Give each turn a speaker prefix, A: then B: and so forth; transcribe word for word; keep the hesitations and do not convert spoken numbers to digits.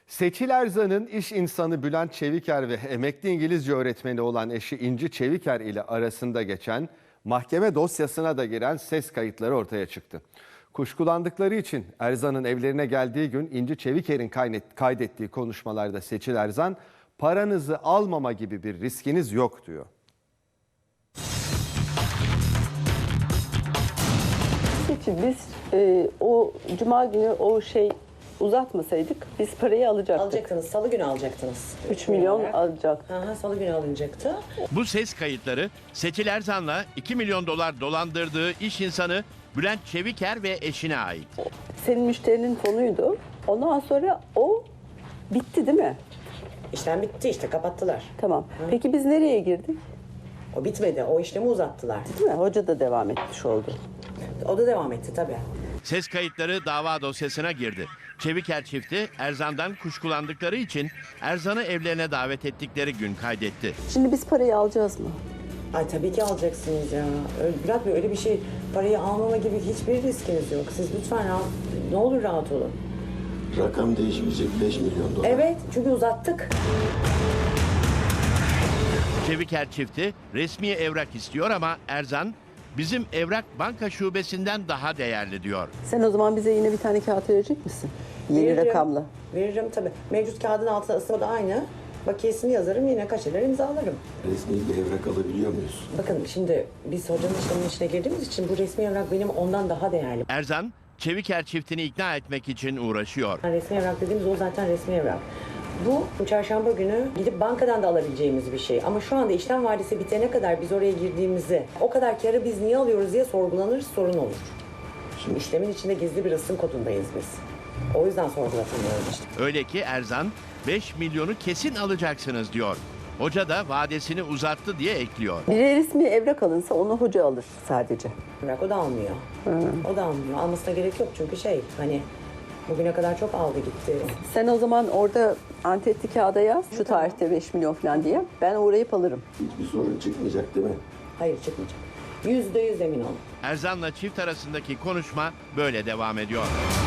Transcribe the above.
A: Seçil Erzan'ın iş insanı Bülent Çeviker ve emekli İngilizce öğretmeni olan eşi İnci Çeviker ile arasında geçen mahkeme dosyasına da giren ses kayıtları ortaya çıktı. Kuşkulandıkları için Erzan'ın evlerine geldiği gün İnci Çeviker'in kaydettiği konuşmalarda Seçil Erzan, paranızı almama gibi bir riskiniz yok diyor.
B: Seçil, biz e, o cuma günü o şey uzatmasaydık biz parayı alacaktık.
C: Alacaktınız. Salı günü alacaktınız.
B: üç milyon alacak.
C: Aha, salı günü alınacaktı.
D: Bu ses kayıtları Seçil Erzan'la iki milyon dolar dolandırdığı iş insanı Bülent Çeviker ve eşine ait.
B: Senin müşterinin fonuydu. Ondan sonra o bitti değil mi?
C: İşlem bitti işte, kapattılar.
B: Tamam. Peki biz nereye girdik?
C: O bitmedi. O işlemi uzattılar.
B: Değil mi? Hoca da devam etmiş oldu.
C: O da devam etti tabii.
D: Ses kayıtları dava dosyasına girdi. Çeviker çifti Erzan'dan kuşkulandıkları için Erzan'ı evlerine davet ettikleri gün kaydetti.
B: Şimdi biz parayı alacağız mı?
C: Ay tabii ki alacaksınız ya. Öyle, Bülent Bey, öyle bir şey, parayı almama gibi hiçbir riskiniz yok. Siz lütfen rahat, ne olur rahat olun.
E: Rakam değişmeyecek, beş milyon dolar.
C: Evet, çünkü uzattık.
D: Çeviker çifti resmi evrak istiyor ama Erzan bizim evrak banka şubesinden daha değerli diyor.
B: Sen o zaman bize yine bir tane kağıt verecek misin? Yeni
C: Veririm.
B: rakamla.
C: Veririm tabii. Mevcut kağıdın altına ısıma da aynı. Bakiyesini yazarım, yine kaçeler imzalarım.
E: Resmi bir evrak alabiliyor muyuz?
C: Bakın şimdi biz hocanın işleminin içine girdiğimiz için bu resmi evrak benim ondan daha değerli.
D: Erzan, Çeviker çiftini ikna etmek için uğraşıyor.
C: Resmi evrak dediğimiz o zaten resmi evrak. Bu çarşamba günü gidip bankadan da alabileceğimiz bir şey. Ama şu anda işlem vadesi bitene kadar biz oraya girdiğimizi, o kadar karı biz niye alıyoruz diye sorgulanır, sorun olur. Şimdi işlemin içinde gizli bir ısım kodundayız biz. O yüzden sorgulatamıyoruz işte.
D: Öyle ki Erzan beş milyonu kesin alacaksınız diyor. Hoca da vadesini uzattı diye ekliyor.
B: Bir resmi evrak alınsa onu hoca alır sadece.
C: Evrak o da almıyor. O da almıyor. Almasına gerek yok çünkü şey hani bugüne kadar çok aldı gitti.
B: Sen o zaman orada antetli kağıda yaz. Şu tarihte beş milyon falan diye. Ben uğrayıp alırım.
E: Hiçbir sorun çıkmayacak değil mi?
C: Hayır, çıkmayacak. Yüzde yüz emin olun.
D: Erzan'la çift arasındaki konuşma böyle devam ediyor.